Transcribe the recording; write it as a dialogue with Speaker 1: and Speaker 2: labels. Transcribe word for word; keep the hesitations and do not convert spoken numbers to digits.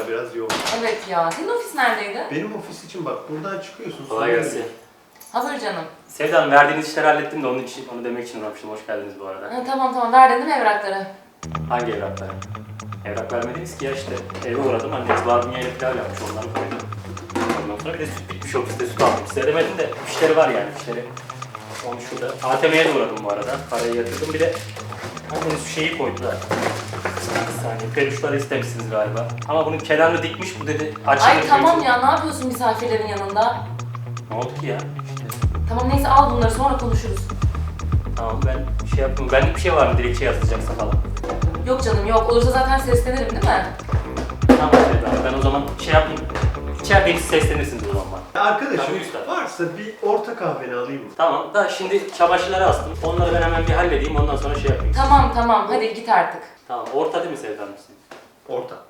Speaker 1: ara biraz yoğun.
Speaker 2: Evet ya. Senin ofis neredeydi?
Speaker 1: Benim ofis için bak buradan çıkıyorsun.
Speaker 3: Kolay gelsin.
Speaker 2: Hazır canım.
Speaker 3: Sevda Hanım, verdiğiniz işleri hallettim de onun için, onu demek için uğramıştım. Hoş geldiniz bu arada.
Speaker 2: Ha, tamam tamam. Verdin değil mi evrakları?
Speaker 3: Hangi evrakları? Evrak vermediniz ki ya işte. Eve uğradım, anneniz barbunyayla pilav yapmış, ondan koydum. Ondan sonra bir de süt bitmiş ofiste, süt aldım. Size demedim de fişleri var yani, fişleri. Onu şurada. A T M'ye de uğradım bu arada. Parayı yatırdım. Bir de anneniz şu şeyi koydular. Bir saniye. Peluşları istemişsiniz galiba. Ama bunun kenarını dikmiş, bu dedi açılır.
Speaker 2: Ay tamam ya. Ne yapıyorsun misafirlerin yanında?
Speaker 3: Ne oldu ki ya? İşte.
Speaker 2: Tamam neyse al bunları sonra konuşuruz.
Speaker 3: Tamam ben şey yapayım. Benlik bir şey var mı dilekçe yazacaksa falan?
Speaker 2: Yok canım yok. Olursa zaten seslenirim değil mi?
Speaker 3: Tamam Sevda, ben o zaman şey yapayım. İçerideyiz, seslenirsiniz o zaman bana.
Speaker 1: Arkadaşım
Speaker 3: Tabii üstad.
Speaker 1: varsa bir orta kahveni alayım mı?
Speaker 3: Tamam da şimdi çamaşırları astım. Onları ben hemen bir halledeyim, ondan sonra şey yapayım.
Speaker 2: Tamam tamam. Hadi git artık.
Speaker 3: Tamam, orta değil mi Sevda mısın?
Speaker 1: Orta.